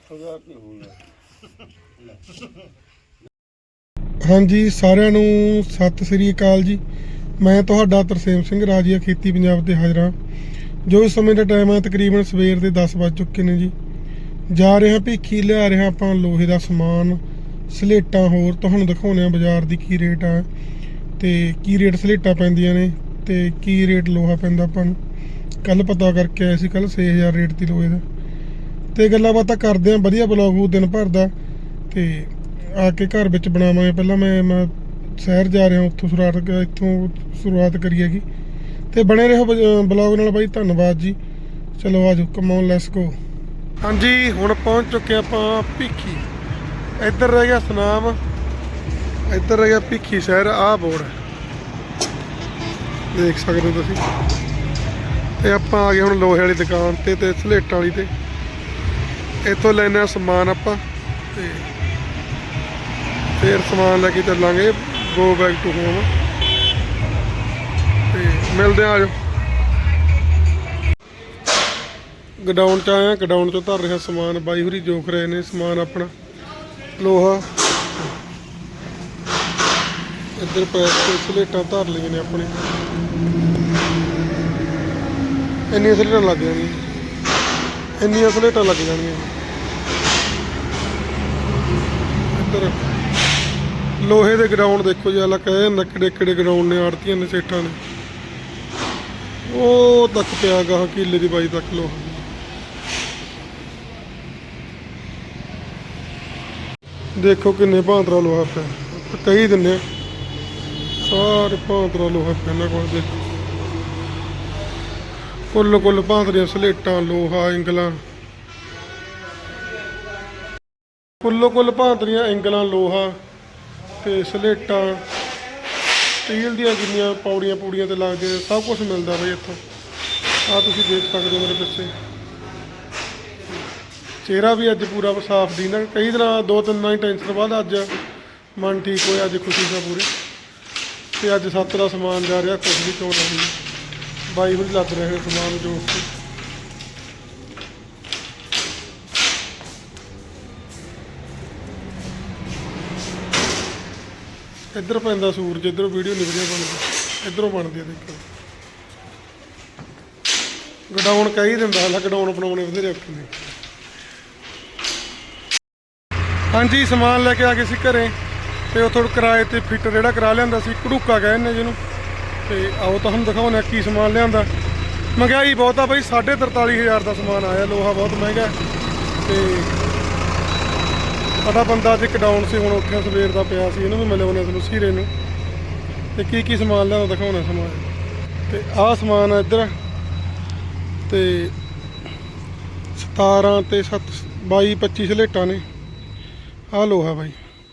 ਹਾਂਜੀ ਸਾਰਿਆਂ ਨੂੰ ਸਤਿ ਸ੍ਰੀ ਅਕਾਲ ਜੀ। ਮੈਂ ਤੁਹਾਡਾ ਤਰਸੇਮ ਸਿੰਘ ਰਾਜੀਆ ਖੇਤੀ ਪੰਜਾਬ ਤੇ ਹਾਜ਼ਰ ਹਾਂ। ਜੋ ਇਸ ਸਮੇਂ ਦਾ ਟਾਈਮ ਹੈ ਤਕਰੀਬਨ ਸਵੇਰ ਦੇ 10 ਵੱਜ ਚੁੱਕੇ ਨੇ ਜੀ। ਜਾ ਰਹੇ ਹਾਂ ਭੀਖੀ, ਲਿਆ ਰਹੇ ਹਾਂ ਆਪਾਂ ਲੋਹੇ ਦਾ ਸਮਾਨ, ਸਲੇਟਾਂ, ਹੋਰ ਤੁਹਾਨੂੰ ਦਿਖਾਉਂਦੇ ਹਾਂ ਬਾਜ਼ਾਰ ਦੀ ਕੀ ਰੇਟ ਆ ਤੇ ਕੀ ਰੇਟ ਸਲੇਟਾਂ ਪੈਂਦੀਆਂ ਨੇ ਤੇ ਕੀ ਰੇਟ ਲੋਹਾ ਪੈਂਦਾ ਆਪਾਂ ਨੂੰ। ਕੱਲ ਪਤਾ ਕਰਕੇ ਆਏ ਸੀ, ਕੱਲ 6000 ਰੇਟ ਦੀ ਲੋਹੇ ਦਾ। ਤੇ ਗੱਲਾਂ ਬਾਤਾਂ ਕਰਦੇ ਹਾਂ, ਵਧੀਆ ਬਲੌਗ ਉਹ ਦਿਨ ਭਰ ਦਾ। ਤੇ ਆ ਕੇ ਘਰ ਵਿੱਚ ਬਣਾਵਾਂਗੇ। ਪਹਿਲਾਂ ਮੈਂ ਸ਼ਹਿਰ ਜਾ ਰਿਹਾ, ਇੱਥੋਂ ਸ਼ੁਰੂਆਤ ਕਰੀ ਹੈਗੀ। ਤੇ ਬਣੇ ਰਹੋ ਬਲੌਗ ਨਾਲ ਬਾਈ, ਧੰਨਵਾਦ ਜੀ। ਚਲੋ ਆਜੋ ਕਮਾਉਣ, ਲੈਟਸ ਗੋ। ਹਾਂਜੀ ਹੁਣ ਪਹੁੰਚ ਚੁੱਕੇ ਆਪਾਂ ਭੀਖੀ। ਇੱਧਰ ਰਹਿ ਗਿਆ ਸੁਨਾਮ, ਇੱਧਰ ਰਹਿ ਗਿਆ ਭੀਖੀ ਸ਼ਹਿਰ। ਆਹ ਬੋਰਡ ਦੇਖ ਸਕਦੇ ਹੋ ਤੁਸੀਂ। ਤੇ ਆਪਾਂ ਆ ਗਏ ਹੁਣ ਲੋਹੇ ਵਾਲੀ ਦੁਕਾਨ ਤੇ ਸਲੇਟਾਂ ਵਾਲੀ ਤੇ। ਇੱਥੋਂ ਲੈਣੇ ਆ ਸਮਾਨ ਆਪਾਂ ਤੇ ਫਿਰ ਸਮਾਨ ਲੈ ਕੇ ਚੱਲਾਂਗੇ ਗੋ ਬੈਕ ਟੂ ਹੋਮ। ਤੇ ਮਿਲਦੇ ਆ, ਆਜੋ। ਗਡਾਊਨ 'ਚ ਆਇਆ, ਗਡਾਊਨ 'ਚੋਂ ਧਰ ਰਿਹਾ ਸਮਾਨ। ਬਾਈ ਹੋਰੀ ਜੋਖ ਰਹੇ ਨੇ ਸਮਾਨ ਆਪਣਾ ਲੋਹਾ। ਇੱਧਰ ਪੈਕ ਤੇ ਸਲੇਟਾਂ ਧਰ ਲਈਆਂ ਨੇ ਆਪਣੇ। ਇੰਨੀਆਂ ਸਲੇਟਾਂ ਲੱਗ ਜਾਣਗੀਆਂ, ਇੰਨੀਆਂ ਸਲੇਟਾਂ ਲੱਗ ਜਾਣਗੀਆਂ। ਇੱਧਰ ਲੋਹੇ ਦੇ ਗਰਾਊਂਡ ਦੇਖੋ ਜੀ, ਆਲਾ ਕਹੇ ਜਾਂਦਾ ਕਿਹੜੇ ਕਿਹੜੇ ਗਰਾਊਂਡ ਨੇ, ਆੜਤੀਆਂ ਨੇ, ਸੇਠਾਂ ਨੇ। ਉਹ ਤੱਕ ਪਿਆ ਗਾ ਕਿੱਲੇ ਦੀ ਬਾਈ ਤੱਕ ਲੋਹਾ। ਦੇਖੋ ਕਿੰਨੇ ਭਾਂਤਰਾ ਲੋਹਾ ਪਿਆ, ਕਹੀ ਦਿੰਦੇ ਆ ਸਾਰੇ ਭਾਂਤਰਾ ਲੋਹਾ ਪਿਆ ਇਹਨਾਂ ਕੋਲ। ਦੇਖੋ ਕੁੱਲ ਭਾਂਤਰੀਆਂ, ਸਲੇਟਾਂ, ਲੋਹਾ, ਇੰਗਲਾਂ, ਕੁੱਲ ਭਾਂਤਰੀਆਂ, ਇੰਗਲਾਂ, ਲੋਹਾ ਤੇ ਸਲੇਟਾਂ, ਸਟੀਲ ਦੀਆਂ ਜਿੰਨੀਆਂ ਪੌੜੀਆਂ ਤੇ ਲੱਗਦੇ ਸਭ ਕੁਝ ਮਿਲਦਾ ਬਈ ਇੱਥੋਂ। ਆਹ ਤੁਸੀਂ ਦੇਖ ਸਕਦੇ ਹੋ ਮੇਰੇ ਪਿੱਛੇ। ਚਿਹਰਾ ਵੀ ਅੱਜ ਪੂਰਾ ਸਾਫ਼ ਦੀ ਨਾ, ਕਈ ਦਿਨਾਂ 2-3 ਦਿਨਾਂ ਦੀ ਟੈਨਸ਼ਨ ਬਾਅਦ ਅੱਜ ਮਨ ਠੀਕ ਹੋਇਆ, ਅੱਜ ਖੁਸ਼ੀ ਦਾ ਪੂਰੇ। ਤੇ ਅੱਜ 7 ਦਾ ਸਮਾਨ ਜਾ ਰਿਹਾ, ਕੁਛ ਵੀ ਚੋਣ ਨਹੀਂ। ਬਾਈ ਵੀ ਲੱਗ ਰਹੇ ਸਮਾਨ ਜੋ ਇੱਧਰ ਪੈਂਦਾ ਸੂਰਜ, ਇੱਧਰੋਂ ਵੀਡੀਓ ਨਹੀਂ ਵਧੀਆ ਬਣਦੀ, ਇੱਧਰੋਂ ਬਣਦੀ ਆ। ਦੇਖੋ ਗਡਾਊਨ ਕਹੀ ਦਿੰਦਾ, ਹਾਲਾ ਗਡਾਊਨ ਬਣਾਉਣੇ ਬਥੇਰੇ ਔਖੇ ਨੇ। ਹਾਂਜੀ ਸਮਾਨ ਲੈ ਕੇ ਆ ਗਏ ਸੀ ਘਰੇ, ਤੇ ਉੱਥੋਂ ਕਿਰਾਏ ਤੇ ਫਿੱਟ ਜਿਹੜਾ ਕਰਾ ਲਿਆਂਦਾ ਸੀ, ਘੜੂਕਾ ਕਹਿੰਦੇ ਜਿਹਨੂੰ। ਤੇ ਆਓ ਤੁਹਾਨੂੰ ਦਿਖਾਉਂਦੇ ਕੀ ਸਮਾਨ ਲਿਆਂਦਾ। ਮਹਿੰਗਾਈ ਬਹੁਤ ਆ ਬਈ, 43,500 ਦਾ ਸਮਾਨ ਆਇਆ। ਲੋਹਾ ਬਹੁਤ ਮਹਿੰਗਾ। ਤੇ ਸਾਡਾ ਬੰਦਾ ਅੱਜ ਕਡਾਊਨ ਸੀ, ਹੁਣ ਉੱਥੇ ਸਵੇਰ ਦਾ ਪਿਆ ਸੀ, ਇਹਨੂੰ ਵੀ ਮਿਲੇ ਉਹਨੇ ਤੁਹਾਨੂੰ ਸੀਰੇ ਨੂੰ। ਤੇ ਕੀ ਸਮਾਨ ਲਿਆਂਦਾ ਦਿਖਾਉਣਾ ਸਮਾਨ। ਤੇ ਆਹ ਸਮਾਨ ਆ ਇੱਧਰ, ਤੇ 17 ਤੇ 22 25 ਸਲੇਟਾਂ ਨੇ। ਆਹ ਲੋਹਾ ਬਾਈ,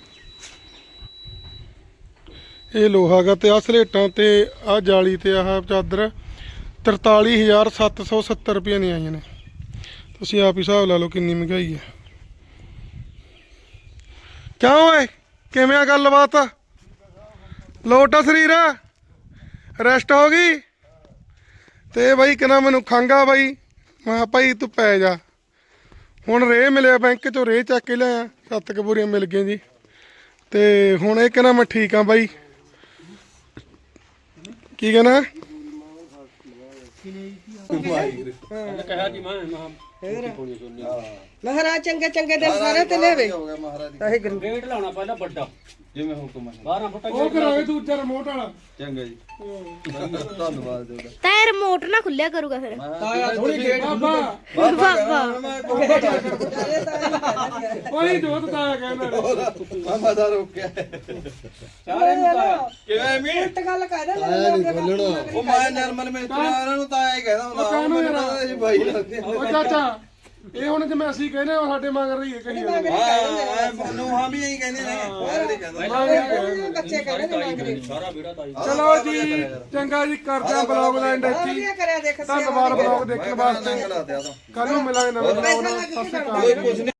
ਇਹ ਲੋਹਾ ਗਾ। ਤੇ ਆਹ ਸਲੇਟਾਂ ਤੇ ਆਹ ਜਾਲੀ ਤੇ ਆਹ ਚਾਦਰ 43,770 ਰੁਪਏ ਦੀਆਂ ਆਈਆਂ ਨੇ। ਤੁਸੀਂ ਆਪ ਹੀ ਹਿਸਾਬ ਲਾ ਲਓ ਕਿੰਨੀ ਮਹਿੰਗਾਈ ਹੈ। ਕਿਉਂ ਓਏ, ਕਿਵੇਂ ਆ ਗੱਲਬਾਤ? ਲੋਟ ਆ ਸਰੀਰ, ਰੈਸਟ ਹੋ ਗਈ? ਤੇ ਬਾਈ ਕਹਿੰਦਾ ਮੈਨੂੰ ਖੰਘ ਆ ਬਾਈ, ਮੈਂ ਕਿਹਾ ਭਾਈ ਤੂੰ ਪੈ ਜਾ। ਹੁਣ ਰੇ ਮਿਲਿਆ ਬੈਂਕ ਚੋਂ, ਰੇ ਚੱਕ ਕੇ ਲਿਆਇਆ, 7 ਕੁ ਬੋਰੀਆਂ ਮਿਲ ਗਈਆਂ ਜੀ। ਤੇ ਹੁਣ ਇਹ ਕਹਿੰਦਾ ਮੈਂ ਠੀਕ ਆ ਬਾਈ। ਕੀ ਕਹਿੰਦਾ? ਉਹਨੇ ਕਿਹਾ ਜੀ ਮੈਂ ਮਹਾਰਾਜ ਚੰਗੇ ਚੰਗੇ ਦਿਨ ਸਾਰੇ ਤੇ ਲੈਵੇ। ਗੇਟ ਲਾਉਣਾ ਪਹਿਲਾਂ ਵੱਡਾ, ਜਿਵੇਂ ਹੁਕਮ ਹੈ 12 ਫੁੱਟ ਉਹ ਕਰਾਵੇ ਦੂਜਾ ਰਿਮੋਟ ਵਾਲਾ। ਚੰਗਾ ਜੀ ਧੰਨਵਾਦ ਤੁਹਾਡਾ ਤਾਂ ਇਹ ਰਿਮੋਟ ਨਾ ਖੁੱਲਿਆ ਕਰੂਗਾ ਫਿਰ। ਥੋੜੀ ਗੇਟ ਬਾਬਾ ਬਾਬਾ ਉਹੀ ਜੋਤ ਤਾਇਆ ਕਹਿੰਦਾ ਮਾਮਾ ਦਾ ਰੋਕਿਆ ਸਾਰਿਆਂ ਨੂੰ ਤਾਇਆ ਕਿਵੇਂ ਮੀ ਉਲਟ ਗੱਲ ਕਹਿ ਦੇ ਆਇਆ ਨਹੀਂ ਖੋਲਣਾ। ਉਹ ਮੈਂ ਨਰਮਲ ਮਿਸਤਰੀ ਉਹਨਾਂ ਨੂੰ ਤਾਂ ਇਹ ਕਹਿੰਦਾ ਹੁੰਦਾ ਕਾਹਨੂੰ ਮੈਨੂੰ ਯਾਰ? ਪਤਾ ਸੀ ਬਾਈ ਲੱਗਦੇ ਉਹ ਚਾਚਾ ਇਹ ਹੁਣ ਜਿਵੇਂ ਅਸੀਂ ਕਹਿੰਦੇ ਉਹ ਸਾਡੇ ਮਗਰ ਰਹੀ ਹੈ ਕਹੀ ਜਾਂਦੇ। ਹਾਂ ਨੂੰ ਹਾਂ ਵੀ ਇਹੀ ਕਹਿੰਦੇ ਨੇ ਮੈਂ ਨਹੀਂ ਕਹਿੰਦਾ ਬੱਚੇ ਕਹਿੰਦੇ ਨੇ ਮੰਗਦੇ। ਸਾਰਾ ਵੀੜਾ ਤਾਈ ਚਲੋ ਜੀ ਚੰਗਾ ਜੀ, ਕਰਦਾ ਬਲੌਗ ਦਾ ਐਂਡ ਇੱਥੇ ਹੀ। ਵਧੀਆ ਕਰਿਆ ਦੇਖ ਧੰਨਵਾਦ ਬਲੌਗ ਦੇਖਣ ਵਾਸਤੇ। ਚੰਗਾ ਲੱਗਦਾ ਤਾਂ ਕੱਲ ਨੂੰ ਮਿਲਾਂਗੇ ਨਵੇਂ ਬਲੌਗ ਨਾਲ। ਸਤਿ ਸ਼੍ਰੀ ਅਕਾਲ। ਕੁਝ